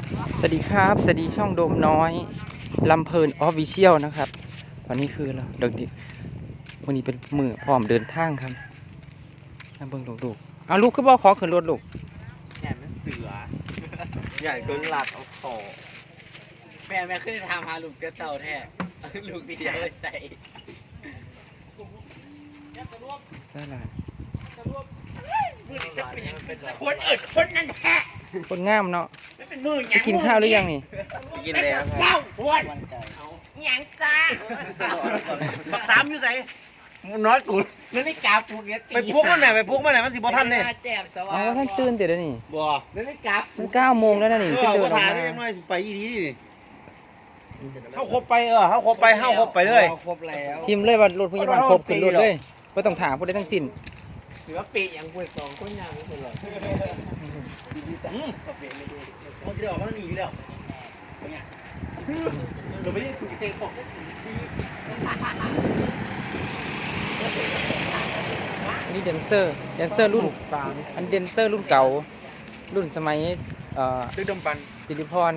สวัสดีครับสวัสดีช่องโดมน้อยลำเพลินออฟฟิเชียลนะครับวันนี้คือเราเด็กดิวันนี้เป็นมือพร้อมเดินทางครับน้ำเบิ่งลูกๆเอาลูกขึ้นบ่ขอขึ้นรถลูกใหญ่มันเสือใหญ่ก็หลัดเอาคอแม่ขึ้นทางพาลูกกระเซาแท้ลูกดีใจใส่สลัดคนเอิดคนนั่นแฮะคนงามเนาะเป็นมือไปกินข้าวหรือยังนี่กินแล้วเจ้าพวนหยังจ้าบักสามอยู่ไหนน้อยกูนั่นนี่กาปูเนี้ยไปพุกมันไหนไปพุกมันไหนมันสิบ่ทันเนี่ยอ๋อท่านตื่นเดี๋ยวนี่บ่นั่นนี่กามัน9 โมงแล้วนะนี่ขึ้นเดินมายังน้อยสิไปอีดีนี่เข้าครบไปเข้าครบไปเลยครบแล้วทีมเลยว่ารถพยาบาลครบขึ้นรถเลยไม่ต้องถามผู้ใดทั้งสิ้นถือว่าปีอย่างป่วยสองคนยังไม่เป็นไรมันจะออกมาหนีแล้วเนี่ยเราไม่ได้ถูกเตะของอันนี้แดนเซอร์รุ่นอันแดนเซอร์รุ่นเก่ารุ่นสมัยดึกดำบรรศิริพร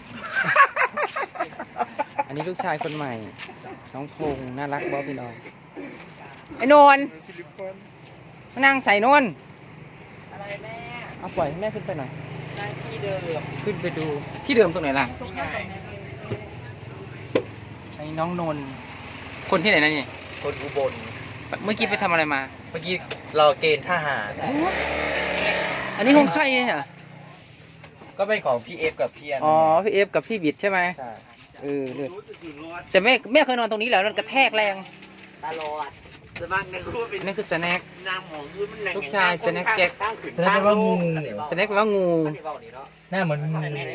อันนี้ลูกชายคนใหม่น้องพงษ์น่ารักบอพี่น้องไอ้นนท์มานั่งใส่นนท์อะไรแม่เอาปล่อยให้แม่ขึ้นไปหน่อยที่เดิมขึ้นไปดูที่เดิมตรงไหนล่ะไอ้น้องนนท์คนที่ไหนนะนี่คนอุบลเมื่อกี้ไปทำอะไรมาเมื่อกี้เราเกณฑ์ทหารอันนี้ของใครอ่ะก็เป็นของพี่เอฟกับพี่อันอ๋อพี่เอฟกับพี่บิดใช่ไหมใช่เลยแต่แม่เคยนอนตรงนี้แล้วมันกระแทกแรงตลอดสมัครในรูปเป็นนี่คือสแน็คลูกชายสแน็คแจ็คสแน็คแปลว่างูสแน็คแปลว่างูหน้าเหมือนงู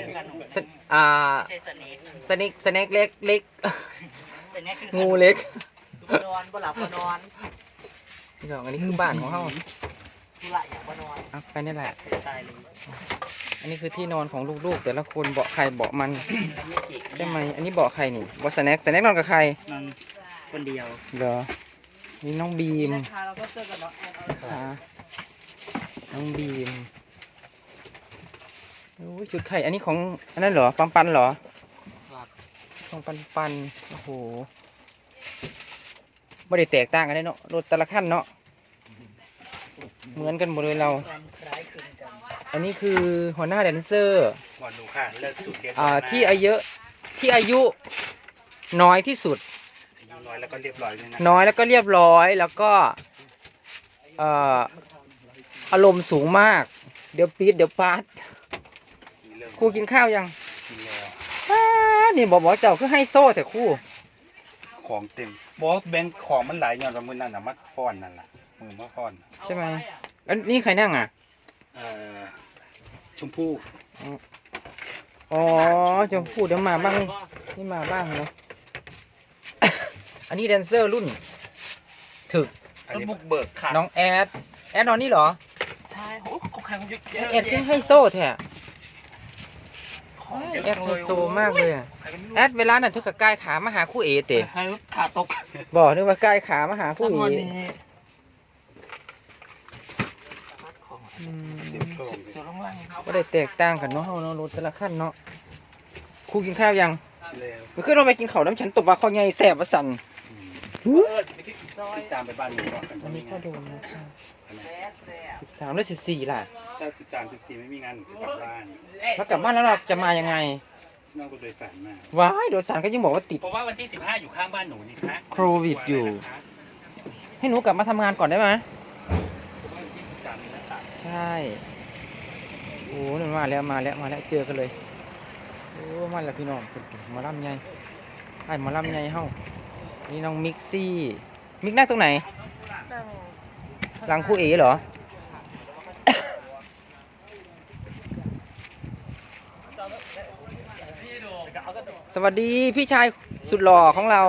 สแน็คเล็กงูเล็กนอนบ่หลับบ่นอนนี่ดอกอันนี้คือบ้านของเขาทุระอย่างบ่นอนไปนี่แหละอันนี้คือที่นอนของลูกๆแต่ละคนเบาะใครเบาะมันใช่ไหมอันนี้เบาะใครนี่เบาะสแน็คนอนกับใครนอนคนเดียวเหรอนี่น้องบีมเราก็เจอกับน้องแอนน้องบีมโอ้ยจุดไข่อันนี้ของอันนั้นเหรอปันเหรอของปันโอ้โหไม่ได้แตกต่างกันเลยเนาะรถแต่ละขั้นเนาะเหมือนกันหมดเลยเราอันนี้คือหัวหน้าแดนเซอร์ที่อายุน้อยที่สุดน้อยแล้วก็เรียบร้อยแล้วก็อารมณ์สูงมากเดี๋ยวปี๊ดเดี๋ยวปาดครูกินข้าวยังกินแล้วนี่บอกเจ้าคือให้โซ่แต่ครูของเต็มบอกแบงค์ของมันหลายอย่างมือนั่นน่ะมัดฟ้อนนั่นแหละมือมัดฟ้อนใช่ไหมอันนี้ใครนั่งอ่ะชมพู่อ๋อชมพู่เดี๋ยวมาบ้างนี่มาบ้างเนาะอันนี้แดนเซอร์รุ่นถึกบุกเบิกค่ะน้องแอดนอนนี่เหรอใช่โอ้ของใครมันเยอะแอดให้โซ่แท้แอดไฮโซมากเลยแอดเวลานั้นเธอกับกายขามาหาคู่เอเตะขาตกบอกนึกว่ากายขามาหาคู่เอก็ได้แตกต่างกันเนาะเนาะรถแต่ละขั้นเนาะครูกินข้าวยังเมื่อคืนเราไปกินข้าวน้ำฉันตบว่าข้าวใหญ่แสบว่าสั่น 13ไปบ้านหนูก่อนอันนี้ก็โดนนะ13 หรือ 14ล่ะถ้า13 14ไม่มีงานจะกลับบ้านแล้วกลับบ้านแล้วเราจะมายังไงนั่งรถโดยสารมาว้ายโดยสารก็ยังบอกว่าติดเพราะว่าวันที่15อยู่ข้างบ้านหนูนี่คะโควิดอยู่ให้หนูกลับมาทำงานก่อนได้ไหมใช่โอ้นี่มาแล้วเจอกันเลยโอ้มาแล้วพี่น้องมาล่ำไงไอ้มาล่ำไงเฮ้านี่น้องมิกซี่มิกนั่งตรงไหนหลังคู่เอ๋เหรอสวัสดีพี่ชายสุดหล่อของเรา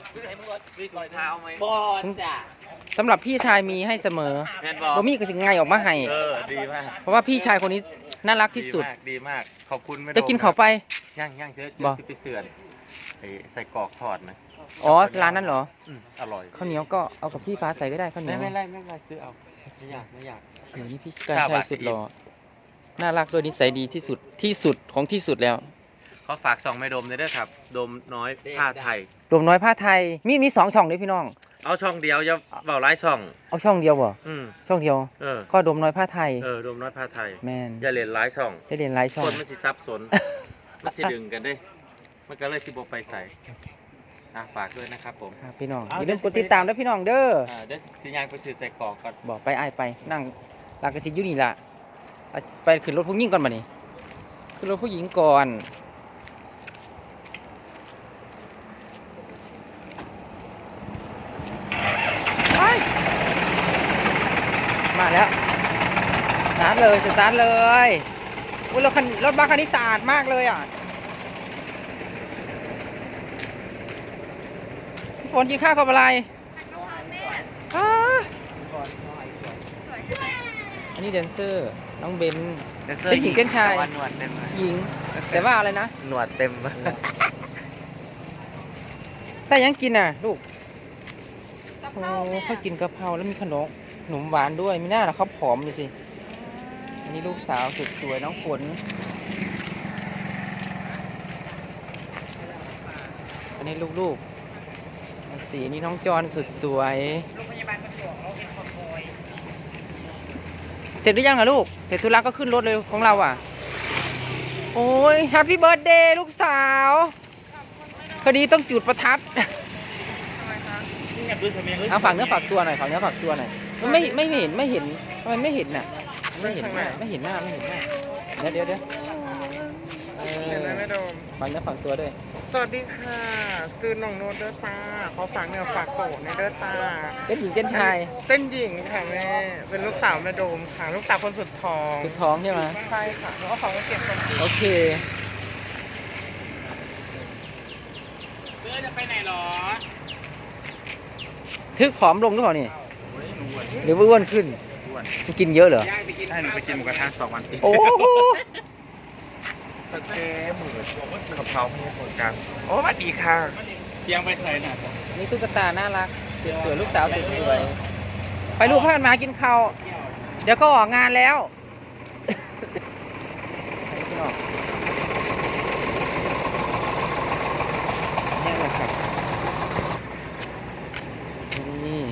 สำหรับพี่ชายมีให้เสมอบ่มีก็สิ่งไงออกมาให้ดีมากเพราะว่าพี่ชายคนนี้น่ารักที่สุดดีมากขอบคุณจะกินเขาไปย่างเยอะจะไปเสื่อนใส่กรอกทอดนะอ๋อร้านนั้นเหรออร่อยข้าวเหนียวก็เอากับพี่ฟ้าใส่ก็ได้ข้าวเหนียวไม่ซื้อเอาไม่อยากเดี๋ยวนี้พี่การชายสุดหล่อน่ารักด้วยนิสัยดีที่สุดที่สุดของที่สุดแล้วเขาฝากส่องแม่โดมด้วยครับโดมน้อยผ้าไทยรวมน้อยผ้าไทยมีสองช่องด้วยพี่น้องเอาช่องเดียวจะเบาไล่ช่องเอาช่องเดียวบ่อืมช่องเดียวเออก็ดมน้อยผ้าไทยโดมน้อยผ้าไทยแมนอย่าเล่นไล่ช่องได้เรียนหลายช่อคงนมันสิซับสน มันสิดึงกันเด้มันก็เลยสิบไปใส่ฝากด้วยนะครับผมครับพี่น้องอย่าลืมกดติดตามด้วยพี่น้องเด้อเดี๋ยวสิยางไปถือใส่กรอกก่อนบอกไปไอ้ายไปนั่งลากระสิอยู่นี่ล่ะไปขึ้นรถผู้หญิงก่อนมานี่ขึ้นรถผู้หญิงก่อนไปมาแล้วสตาร์ทเลยสตาร์ทเลยอุ๊ยรถบัสคันนี้สะอาดมากเลยอ่ะพี่ฝนกินข้าวกับอะไรอ้าอันนี้แดนเซอร์น้องเบนเป็นหญิงเป็นชายหนวดเต็มเลยหญิง แต่ว่าอะไรนะหนวดเต็มแต่ยังกินน่ะลูกโอ้เขากินกะเพราแล้วมีขนมหวานด้วยมีหน้าละเขาผอมดูสิอันนี้ลูกสาวสุดสวยน้องฝนอันนี้ลูกๆสีนี้น้องจอนสุดสวยโรงพยาบาลประจวบเราเป็นคนโวยเสร็จหรือยังอะลูกเสร็จธุระก็ขึ้นรถเลยของเราอ่ะโอ้ยแฮปปี้เบิร์ดเดย์ลูกสาวคดีต้องจุดประทัดเอาฝากเนื้อฝากตัวหน่อยฝากเนื้อฝากตัวหน่อยมันไม่เห็นทำไมไม่เห็นน่ะไม่เห็นหน้าเดี๋ยวฝากเนื้อฝากตัวด้วยสวัสดีค่ะซื้อน้องโนตเด้อจ้าเขาฝากเนื้อฝากโตในเด้อจ้าเป็นหญิงเป็นชายเต้นหญิงค่ะแม่เป็นลูกสาวแม่โดมค่ะลูกสาวคนสุดท้องสุดท้องใช่ไหมใช่ค่ะแล้วก็ของมาเก็บคนเดียวโอเคเพื่อจะไปไหนหรอทึกผอมลงหรือเปล่านี่หรือว่าอ้วนขึ้นมันกินเยอะเหรอให้หนูไปกินหมูกระทะ2 วันติดโอ้โหตะเกียบหมือกับเขาไม่สนกันโอ้สวัสดีค่ะเสียงไปใส่น่ะนี่ตุ๊กตาน่ารักสวยลูกสาวสวยไปลูกพากันมากินข้าวเดี๋ยวก็ออกงานแล้วนี่เลยครับนี่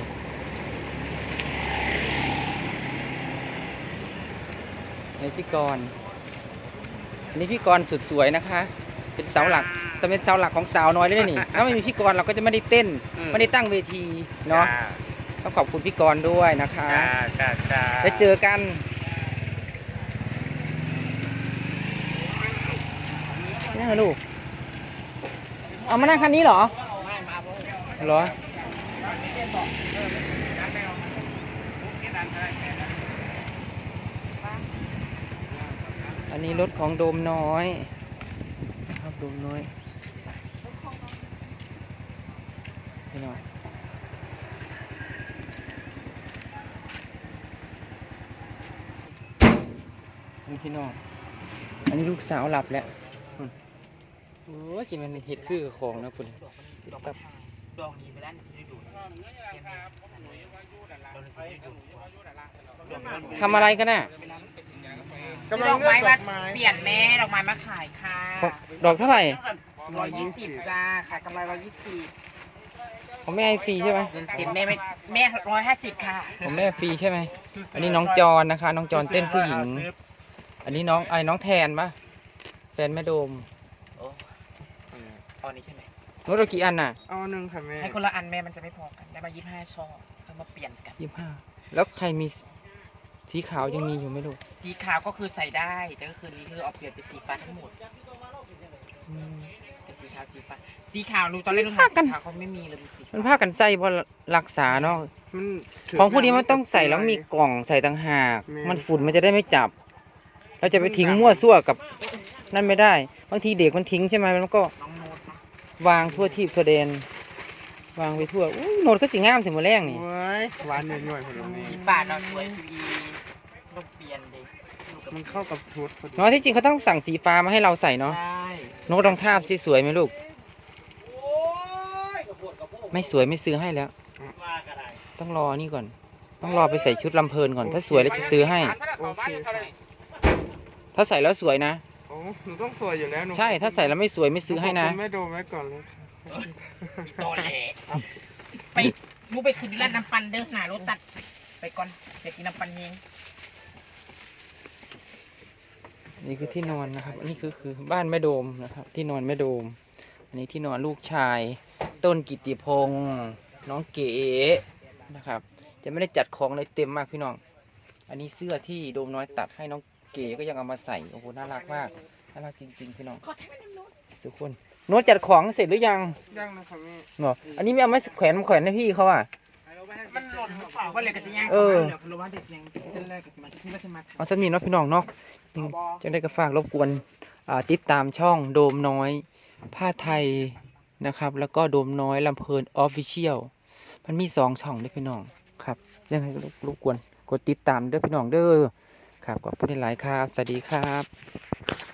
ในพี่กรณ์อันนี้พี่กรณ์สุดสวยนะคะ เป็นเสาหลักเป็นเสาหลักของสาวน้อยเลยนี่ ถ้าไม่มีพี่กรณ์เราก็จะไม่ได้เต้น ไม่ได้ตั้งเวทีเนาะต้องขอบคุณพี่กรณ์ด้วยนะคะแล้วเจอกันนี่ไงลูกเอามานั่งคันนี้เหรอเหรออันนี้รถของโดมน้อยครับโดมน้อยพี่น้องนี่พี่น้องอันนี้ลูกสาวหลับแล้วโอ้ยกินมันเห็ดคือของนะคุณตับดองนี้ไปแล้วสิได้ดูทำอะไรกันน่ะกำลังเลือกดอกไม้เปลี่ยนแม่ดอกไม้มาขายค่ะดอกเท่าไหร่ 120จ้าขายกำไร120 ของแม่ให้ฟรีใช่ไหมเงินสิบแม่150ค่ะของแม่ฟรีใช่ไหมอันนี้น้องจอนนะคะ น้องจอนเต้นผู้หญิง อันนี้น้องแทนปะแฟนแม่โดมตอนนี้ใช่ไหมรถเรากี่อันน่ะเอาหนึ่งค่ะแม่ให้คนละอันแม่มันจะไม่พอกันได้มา25ช่อเอามาเปลี่ยนกัน 25แล้วใครมีสีขาวยังมีอยู่ไหมลูกสีขาวก็คือใส่ได้แต่ก็คือนี้คือเอาเปลี่ยนเป็นสีฟ้าทั้งหมดเป็นสีขาวสีขาวดูตอนแรกดูหาสีขาวเขาไม่มีเลยมีสีมันผ้ากันใส่บนรักษาเนาะมันถืของพวกนี้มันต้องใส่แล้วมีกล่องใส่ต่างหากแม่มันฝุ่นมันจะได้ไม่จับ เราจะไปทิ้งมั่วซั่วกับนั่นไม่ได้ บางทีเด็กมันทิ้งใช่ไหมมันก็น้องโน้ตนะวางทั่วที่ทั่วแดนวางไปทั่วอุ้ยโหนดก็สีงามถึงมือแรงนี่โอ้ยหวานหน่อยๆผลไม้สีฟ้าเราสวยสีต้องเปลี่ยนดิมันเข้ากับชุดพอดีเนาะที่จริงเขาต้องสั่งสีฟ้ามาให้เราใส่เนาะใช่โน้ตรองทาบสิสวยไหมลูกไม่สวยไม่ซื้อให้แล้ว ต้องรอนี่ก่อน ต้องรอไปใส่ชุดลำเพลินก่อน ถ้าสวยแล้วจะซื้อให้โอเคค่ะถ้าใส่แล้วสวยนะโอ้หนูต้องสวยอยู่แล้วหนูใช่ถ้าใส่แล้วไม่สวยไม่ซื้อให้นะขบคุณแม่โดมไว้ก่อนเลยโตแหละไปมูไปคืนร้านน้ำปันเด้อหน้ารถตัดไปก่อนอยากกินน้ำปันเองนี่คือที่นอนนะครับอันนี้คือบ้านแม่โดมนะครับ ที่นอนแม่โดม อันนี้ที่นอนลูกชาย ต้นกิตติพงษ์น้องเก๋นะครับ จะไม่ได้จัดของเลยเต็มมากพี่น้อง อันนี้เสื้อที่โดมน้อยตัดให้น้องเก๋ก็ยังเอามาใส่โอ้โหน่ารักมากน่ารักจริงๆพี่น้องขอแทนน้ำนวดทุกคนโน้ตจัดของเสร็จหรือยังย่างนะครับแม่เนาะอันนี้ไม่เอาไม้แขวนให้พี่เขาอ่ะมันหล่นหรือเปล่าว่าเลยกระจะย่างเออเข้ามาเหลือคือว่าเด็กยังเต้นแรกกับสมาธิที่ว่าจะมาเอาสักนิดเนาะพี่น้องเนาะจังได้ก็ฝากรบกวนติดตามช่องโดมน้อยผ้าไทยนะครับ แล้วก็โดมน้อยลำเพลินออฟฟิเชียลมันมี2 ช่องด้วยพี่น้องครับยังไงก็รบกวนกดติดตามเด้อพี่น้องเด้อครับขอบคุณหลายๆครับ สวัสดีครับ